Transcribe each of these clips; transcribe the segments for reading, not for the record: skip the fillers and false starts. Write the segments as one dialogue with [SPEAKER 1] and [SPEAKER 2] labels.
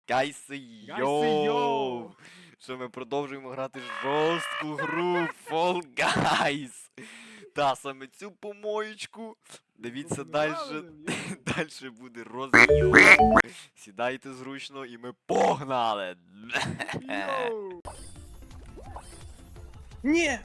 [SPEAKER 1] Гайси йоу! Що ми продовжуємо грати жорстку гру Fall Guys. Та саме цю помоєчку. Дивіться далі. Далі буде розйом. Сідайте зручно і ми погнали!
[SPEAKER 2] Ні!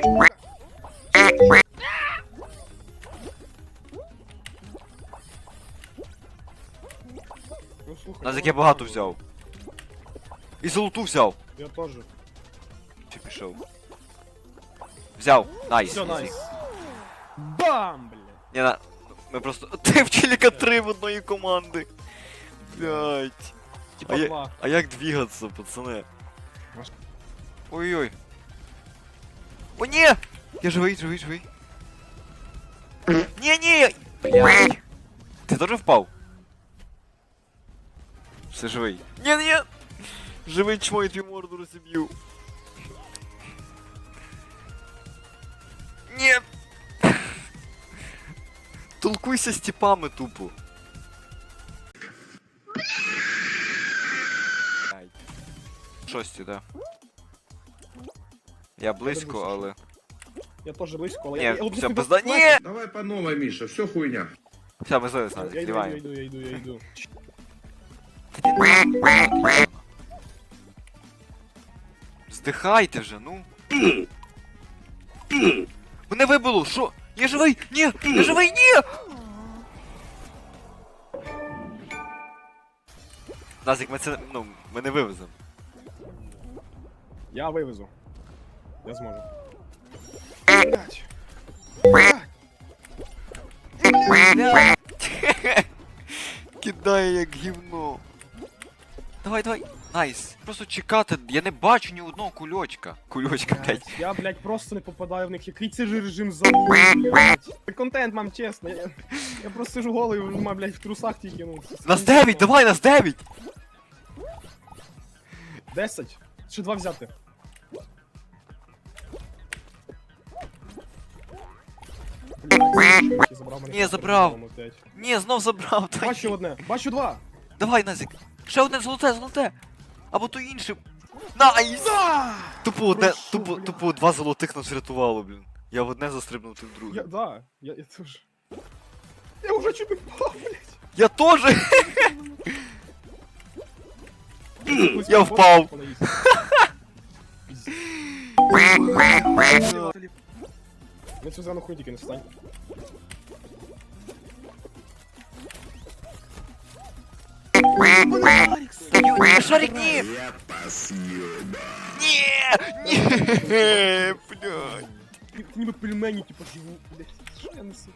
[SPEAKER 2] Ну, слухай,
[SPEAKER 1] Нас я багато взяв. І золоту взяв.
[SPEAKER 2] Я теж.
[SPEAKER 1] Чи пішов? Взяв. Найс.
[SPEAKER 2] Все, найс. Бам, бля.
[SPEAKER 1] Ні, на... Ми просто... Ти в челіка 3 в одної команди. Блять.
[SPEAKER 2] Типа два.
[SPEAKER 1] А як двигаться, пацани? Ой-ой. О, ні! Я живий. Ні! Блять. Ти теж впав? Все живий. Ні! Живий чмо, я твій морду розіб'ю. Ні! Толкуйся з тіпами тупо. Шості, да. Я близько, але...
[SPEAKER 2] Я теж близько, але
[SPEAKER 1] Ні,
[SPEAKER 2] я...
[SPEAKER 1] все, пизда... Ні!
[SPEAKER 3] Давай по новой, Миша, все хуйня.
[SPEAKER 1] Все, ми злились, Назик,
[SPEAKER 2] Я
[SPEAKER 1] зливаємо.
[SPEAKER 2] йду.
[SPEAKER 1] Здихайте вже, ну. Мене вибило, що? Я живий! Ні! Я живий! Ні! Назик, ми це, ну, ми не вивеземо.
[SPEAKER 2] Я вивезу. Я зможу.
[SPEAKER 1] Кидає як гівно. Давай. Найс. Просто чекати, я не бачу ні одного кульочка. Кульочка, блядь.
[SPEAKER 2] Я, блядь, просто не попадаю в них. Який це ж режим забув, блядь. Це контент, мам, чесно. Я просто сижу голий, блядь, в трусах тільки, ну.
[SPEAKER 1] Нас 9, давай, нас 9!
[SPEAKER 2] 10. Ще 2 взяти. Блядь, забрав мене.
[SPEAKER 1] Ні, забрав. Ні, знов забрав. Дай.
[SPEAKER 2] Бачу одне, бачу 2.
[SPEAKER 1] Давай, Назик. Ще одне золоте. Або то інше. Найс! Тупо одне,
[SPEAKER 2] Прошу,
[SPEAKER 1] тупо 2 золотих нас врятувало, блін. Я в одне застрибнув, ти в друге.
[SPEAKER 2] Я теж. Я уже чуть не впав, блядь.
[SPEAKER 1] Я теж! Я впав.
[SPEAKER 2] На цю зелену хуй тільки не встань.
[SPEAKER 1] Шарик, ні!
[SPEAKER 3] Я посъеба.
[SPEAKER 1] Ні, блядь.
[SPEAKER 2] Ти ніби пельмені, типу, живу, блядь. Що я несу?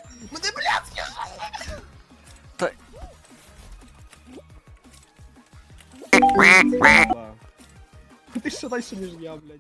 [SPEAKER 1] Та...
[SPEAKER 2] Да. Ти ще дальше, ніж я, блядь.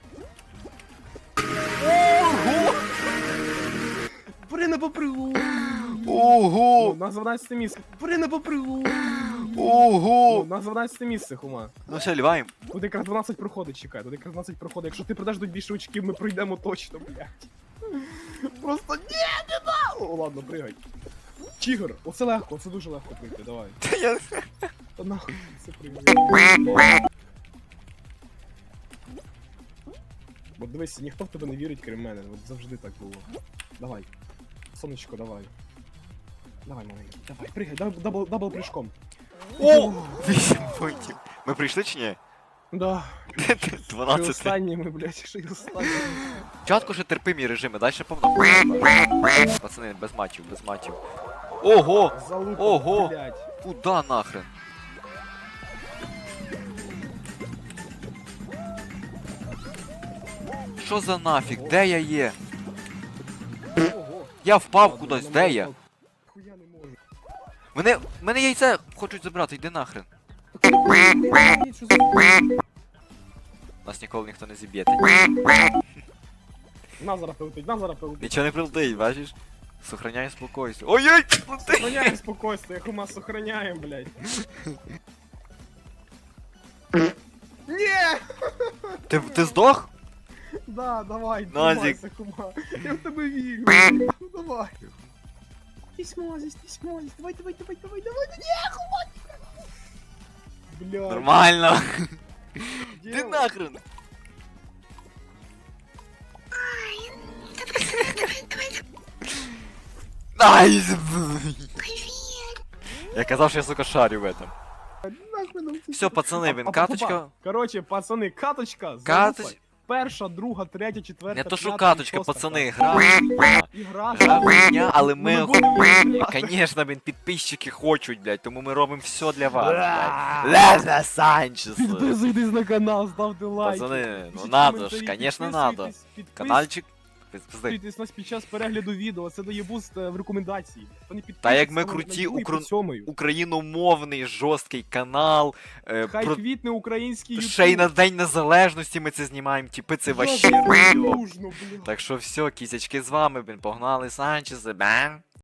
[SPEAKER 2] Ого! Бери на попригу!
[SPEAKER 1] Ого!
[SPEAKER 2] На 12 місце. Бери на попригу!
[SPEAKER 1] Ого!
[SPEAKER 2] На 12 місце, хума.
[SPEAKER 1] Ну все, ліваємо.
[SPEAKER 2] Тут якраз 12 проходить, чекай, тут якраз 12 проходить. Якщо ти придаш до більше очків, ми пройдемо точно, блядь. Просто ні, не да! О, ладно, пригай. Чігр, оце легко, це дуже легко пройти, давай.
[SPEAKER 1] Та я...
[SPEAKER 2] Та нахуй, це пригай. От дивись, ніхто в тебе не вірить, крім мене, от завжди так було. Давай. Сонечко, давай. Давай, маленький, давай, пригай, дабл прыжком.
[SPEAKER 1] О! 8 пунктів. Ми прийшли чи ні?
[SPEAKER 2] Да. Ще
[SPEAKER 1] 12.
[SPEAKER 2] останні ми, блядь, ще й останні.
[SPEAKER 1] Спочатку ще терпимі режими, далі повно. Пацани, без матчів. Ого!
[SPEAKER 2] Залупа,
[SPEAKER 1] Ого!
[SPEAKER 2] блядь.
[SPEAKER 1] Куда нахрен? Що за нафіг? Де я є?
[SPEAKER 2] Ого.
[SPEAKER 1] Я впав
[SPEAKER 2] Ладно,
[SPEAKER 1] кудись,
[SPEAKER 2] на
[SPEAKER 1] де
[SPEAKER 2] мене
[SPEAKER 1] я?
[SPEAKER 2] впав. Хуя не можу.
[SPEAKER 1] Мене яйце хочуть забрати, йди нахрен.
[SPEAKER 2] Що за...
[SPEAKER 1] Нас ніколи ніхто не зіб'є.
[SPEAKER 2] На зараз прилетить, на зараз прилетить.
[SPEAKER 1] Нічого не прилетить, бачиш? Сохраняй спокойствие. Ой-ой!
[SPEAKER 2] Сохраняем спокойствие, хума, сохраняем, блядь. Не!
[SPEAKER 1] Ти здох?
[SPEAKER 2] Да, давай,
[SPEAKER 1] Назик.
[SPEAKER 2] тримайся, хума. Я в тебе вірю. блядь. Ну давай. Ти смозись, давай. Не, хума. Блядь.
[SPEAKER 1] Нормально. Ти
[SPEAKER 2] Делай.
[SPEAKER 1] нахрен. Найс! Я казав, що я, сука, шарю в этом.
[SPEAKER 2] Нахуй нам це
[SPEAKER 1] Все, пацани, він каточка.
[SPEAKER 2] Короче, пацани, каточка.
[SPEAKER 1] Каточ-
[SPEAKER 2] залупа. Перша, друга, третя, четверта,
[SPEAKER 1] Не то що
[SPEAKER 2] п'ята,
[SPEAKER 1] каточка,
[SPEAKER 2] шоста
[SPEAKER 1] пацани,
[SPEAKER 2] катка.
[SPEAKER 1] гра.
[SPEAKER 2] Ігра,
[SPEAKER 1] Гра хуйня, але ми
[SPEAKER 2] Ну, будемо
[SPEAKER 1] охуєнні.
[SPEAKER 2] грати.
[SPEAKER 1] Конечно, блін, підписчики хочуть, блядь, тому ми робимо все для вас, блядь. Лезе Санчес.
[SPEAKER 2] Підписуйтесь на канал, ставте лайки.
[SPEAKER 1] Пацани, ну
[SPEAKER 2] пишіть
[SPEAKER 1] надо ж,
[SPEAKER 2] коментарі,
[SPEAKER 1] конечно, надо.
[SPEAKER 2] підписуйтесь,
[SPEAKER 1] Канальчик. Пизди.
[SPEAKER 2] Підписуйтесь нас під час перегляду відео, це дає буст в рекомендації. Хто не
[SPEAKER 1] Та як ми
[SPEAKER 2] підписується,
[SPEAKER 1] круті,
[SPEAKER 2] на другий, під сьомою.
[SPEAKER 1] Україномовний жорсткий канал.
[SPEAKER 2] Хай
[SPEAKER 1] Про...
[SPEAKER 2] квітне український ютуб.
[SPEAKER 1] Ще й на День Незалежності ми це знімаємо, типи, це вообще
[SPEAKER 2] Як
[SPEAKER 1] хуйо.
[SPEAKER 2] дружно, блядь.
[SPEAKER 1] Так що все, кізячки з вами, блін, погнали Санчеси, бам.